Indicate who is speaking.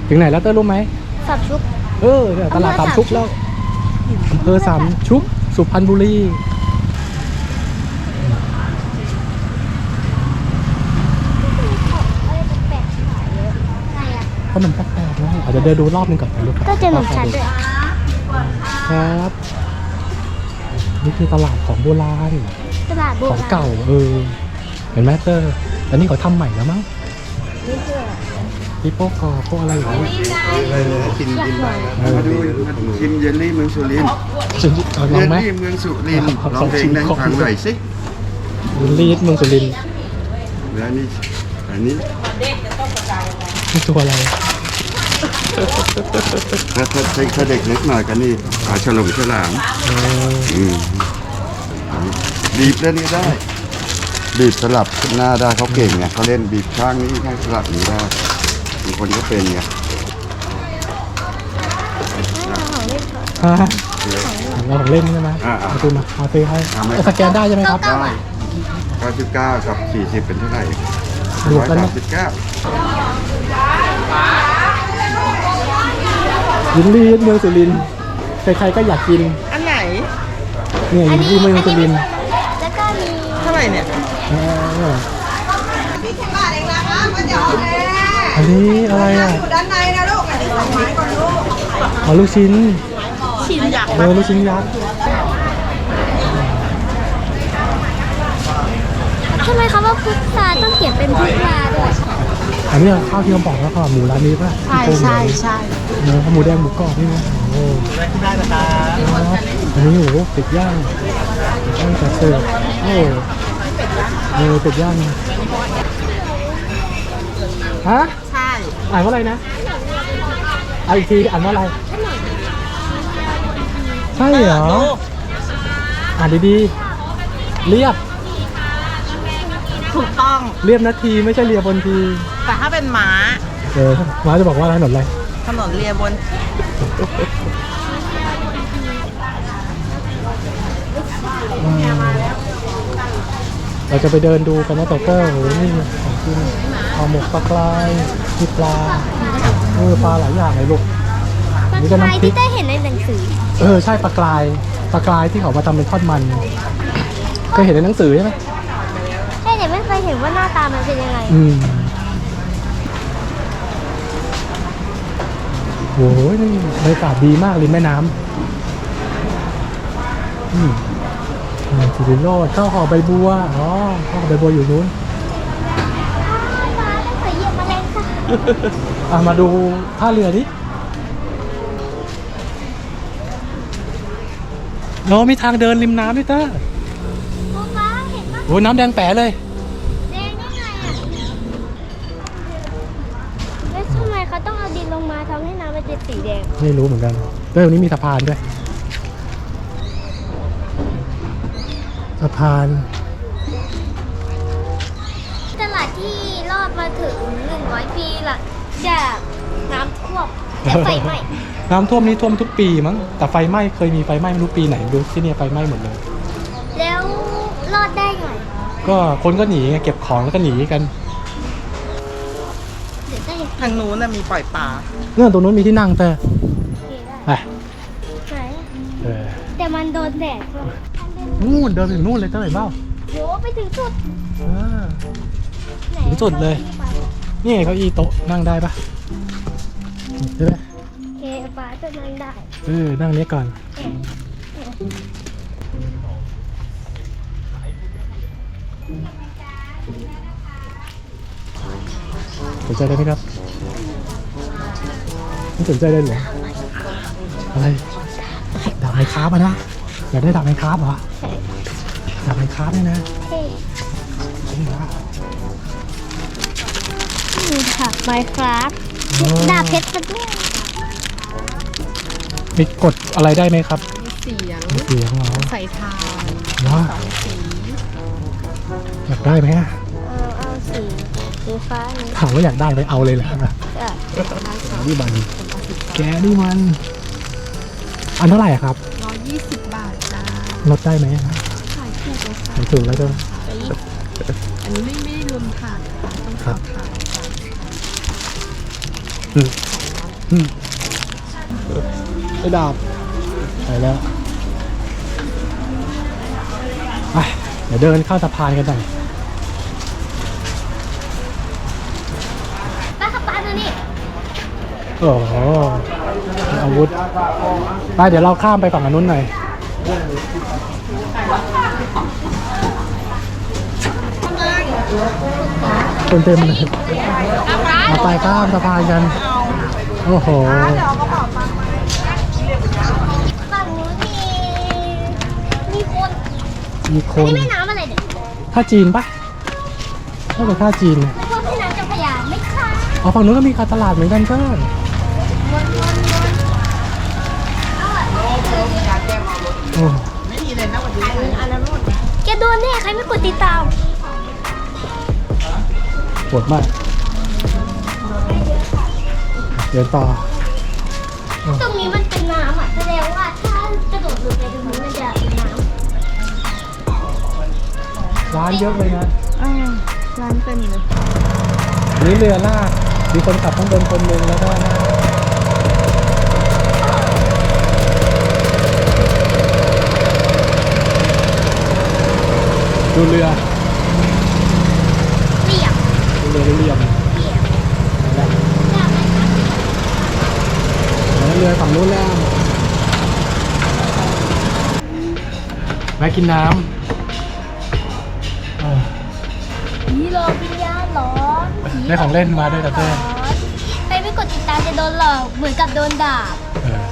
Speaker 1: ถึงไหนแล้วเต้รู้ไหม
Speaker 2: สามชุก
Speaker 1: เนี่ยตลาดสามชุกแล้วอำเภอสามชุกสุพรรณบุรีขนมแปลกๆนะอาจจะเดินดูรอบนึงก่อนนะลูก
Speaker 2: ก็เจอขนมชั้นด้วย
Speaker 1: ครับนี่คือตลาดของโบราณ
Speaker 2: ตลาดโบ
Speaker 1: ของ
Speaker 2: ราณ
Speaker 1: เก่าเห็นไหมเตอร์อันนี้เขาทำใหม่แล้วมั้ง
Speaker 2: นี่คือ
Speaker 1: ปีโป้กรอบพวกอะไรอย่างเงี้ย
Speaker 3: กินมาดูชิมเยลลี่เมืองสุรินทร์
Speaker 1: ล
Speaker 3: เย
Speaker 1: อง
Speaker 3: ล
Speaker 1: ไหม
Speaker 3: ลี่เมืองสุรินทร์ลองเพลงได้ฟังหน่อยสิ
Speaker 1: ลีดเมืองสุรินทร์
Speaker 3: แล้วอันนี้
Speaker 1: นี่ตัวอะไร
Speaker 3: ถ้าเด็กเล็กหน่อยกันนี่ฉลองฉลามบีบแล้วนี่ได้บีบสลับหน้าได้เขาเก่งไงเขาเล่นบีบข้างนี้ข้างสลับนี้ได้บางคนก็เป็นไง
Speaker 1: ฮะเราของเล่นใช่ไหมเอาตัวมาเอาซื้อให้สแกนได้ใช่ไหมครับ
Speaker 3: ได้99กับ40เป็นเท่าไหร่
Speaker 1: รวมกันนะ
Speaker 3: 139
Speaker 1: ยินลีดเมืองสุรินทร์ใครๆก็อยากกิน
Speaker 4: อันไหน
Speaker 1: เนี่ยยินลีดเมืองสุรินทร์
Speaker 2: แล้วก็มี
Speaker 4: เท่าไหร่เนี่ย
Speaker 1: อันนี้อะไรอ่ะ
Speaker 4: ด้านในนะลูก อันนี้2 ไม้ก่อนลูก
Speaker 1: อ๋อลูกชิ้น
Speaker 4: ชิ้นยักษ์
Speaker 1: ลูกชิ้นยักษ์
Speaker 2: ทำไมเขาว่าพุทราต้องเขียนเป็นพุทราด้วย
Speaker 1: อันนี้ข้าวที่เขาบอกแล้วก็หมูร้านนี้ป่ะ
Speaker 4: ใช่ใช่ใช่
Speaker 1: เนื้อหมูแดงหมูกรอบนี่นะโอ้ได้นะครับอันนี้โอ้โหเป็ดย่างจัดเสิร์ฟเป็ดย่างฮะ
Speaker 4: ใช่
Speaker 1: อ่านว่าอะไรนะเอาอีกทีอ่านว่าอะไรใช่เหรออ่านดีๆเรียบ
Speaker 4: ถูกต้อง
Speaker 1: เรียบนาทีไม่ใช่เรียบบนที
Speaker 4: แต่ถ้าเป็นม้า
Speaker 1: ม้าจะบอกว่าอะไรถนนอะไร
Speaker 4: ถนนเลียบน
Speaker 1: เราจะไปเดินดูกันนะเตอร์โอ้โหนี่ของกินห่อหมกปลากรายมีปลาปลาหลายอย่างเลยลูก
Speaker 2: ปลา
Speaker 1: นี่
Speaker 2: ก
Speaker 1: ก็
Speaker 2: ราย
Speaker 1: น้ำพริ
Speaker 2: ที่
Speaker 1: ก
Speaker 2: ได้เห็นในหนังสือ
Speaker 1: ใช่ปลากรายที่เขามาทำเป็นทอดมันเคยเห็นในหนังสือใช่ไหม
Speaker 2: ใช่แต่ไม่เคยเห็นว่าหน้าตามันเป็นยังไง
Speaker 1: โอ้โหนี่บรรยากาศดีมากริมแม่น้ำสิริโรจน์ข้าวห่อใบบัวข้าวห่อใบบัวอยู่นู้น
Speaker 2: ปลาได้เคยเหยียบแมลงค่ะ
Speaker 1: มาดูท่าเรือดิมีทางเดินริมน้ำด้วยเต้อ
Speaker 2: ปลาเห็นปะ
Speaker 1: โอ้น้ำแดงแป๋เลย
Speaker 2: แดงได้ไงอ่ะแล้วทำไมเขาต้องเอาดินลงมาทำให้น้ำมันเป็นสีแดง
Speaker 1: ไม่รู้เหมือนกันตรงนี้มีสะพานด้วยสะพาน
Speaker 2: ตลาดที่รอดมาถึง100 ปีหลังจากน้ำท่วมและไฟไหม้
Speaker 1: น้ำท่วมนี้ท่วมทุกปีมั้งแต่ไฟไหม้เคยมีไฟไหม้ไม่รู้ปีไหนดูที่เนี่ยไฟไหม้หมดเลย
Speaker 2: แล้วรอดได้ไง
Speaker 1: ก็คนก็หนีไงเก็บของแล้วก็หนีกัน
Speaker 2: เดี๋ยวได้เห็น
Speaker 4: ทางนู้นน่ะมีปล่อยปลา
Speaker 1: เนี่ยตรงนู้นมีที่นั่งแต่
Speaker 2: ได้
Speaker 1: ไป
Speaker 2: ไหน
Speaker 1: เออ
Speaker 2: แต่มันโดนแดดด้วย
Speaker 1: นู่นเดินไปถึงนู่นเลยเท่าไหร่เปล่า
Speaker 2: โหไปถึงจุด
Speaker 1: เออ
Speaker 2: ไหน
Speaker 1: ถึงจุดเลย นี่ไงเก้าอี้โต๊ะนั่งได้ปะใช่ไหม
Speaker 2: เคปลาจะนั่งได้
Speaker 1: นั่งนี้ก่อนสนใจได้ไหมครับไม่สนใจได้เหรออะไรดาบไม้คาบนะอยากได้ดาบไม้คาบเหรอดาบไม้คาบเนี่ยนะ
Speaker 2: เฮ้ย
Speaker 1: จริงเหรอ
Speaker 2: นี่ค่ะไมค์ครับดาบเพชรมันด้วย
Speaker 1: มีกดอะไรได้ไหมครับ
Speaker 4: มีเสียง
Speaker 1: มีเสียงเหรอ
Speaker 4: ใส่ทาน
Speaker 1: ว้า
Speaker 4: 2 สี
Speaker 1: อยากได้ไหมอะ
Speaker 2: เอาสีฟ้านี้
Speaker 1: ถามว่าอยากได้ไหมเอาเลยแหละ นี่มันแกนี่มันอันเท่าไหร่อะครับ
Speaker 4: 120 บาทจ้า
Speaker 1: ลดได้ไหมอะ
Speaker 4: ขายถูกเลยค่ะ
Speaker 1: ขายถูกแล้วก็
Speaker 4: อันนี้ไม่ได้รวมถ่านค่ะต้อง
Speaker 1: ครับ
Speaker 4: ทำถ่านค่ะ
Speaker 1: อืมไปดาบไปแล้วไปเดี๋ยวเดินเข้าสะพานกันหน่อย
Speaker 2: ป้าขับป้าดูนี่
Speaker 1: โอ้โหมีอาวุธไปเดี๋ยวเราข้ามไปฝั่งอนนุนหน่อยคนเต็มเลยเอาไปข้ามสะพานกันโอ้โห
Speaker 2: ฝั่งนู้นมีคน
Speaker 1: มีค
Speaker 2: อัน
Speaker 1: น
Speaker 2: นี้แม่น้ำอะไรเนี่ย
Speaker 1: ท่าจีนปะน่าจะท่าจีนเนี่ย
Speaker 2: ไม่ว่าแม่น้ำเจ้าพระยาไม่ค่ะ
Speaker 1: อ๋อฝั่งนู้นก็มีการตลาดเหมือนกันเพื่อน โอ้
Speaker 2: แกโดนแน่ใครไม่กดติดตาม
Speaker 1: ปวดมากเดินต่อ
Speaker 2: ตรงนี้มันเป็นน้ำอ่ะแสดงว่าถ้ากระโดดลงไปตรงนี้มันจะเป็นน้
Speaker 1: ร้านเยอะเลยนะ
Speaker 4: ร้านเต็มเลย
Speaker 1: นี่เรือลากมีคนขับข้างบนคนหนึ่งแล้วก็ลากดูเรือ
Speaker 2: ำเรียบ
Speaker 1: ดูเรือเรียม
Speaker 2: เรียบ
Speaker 1: แล้ว
Speaker 2: น้ำไหมคะ
Speaker 1: เรือฝั่งนู้นแล้วแวะกินน้ำเออ
Speaker 2: ผีหลอกวิญญาณหลอนผี
Speaker 1: ได้ของเล่นมาด้วยแต่เต้
Speaker 2: ใครไม่กดติดตามจะโดนหลอกเหมือนกับโดนด่า
Speaker 1: เออ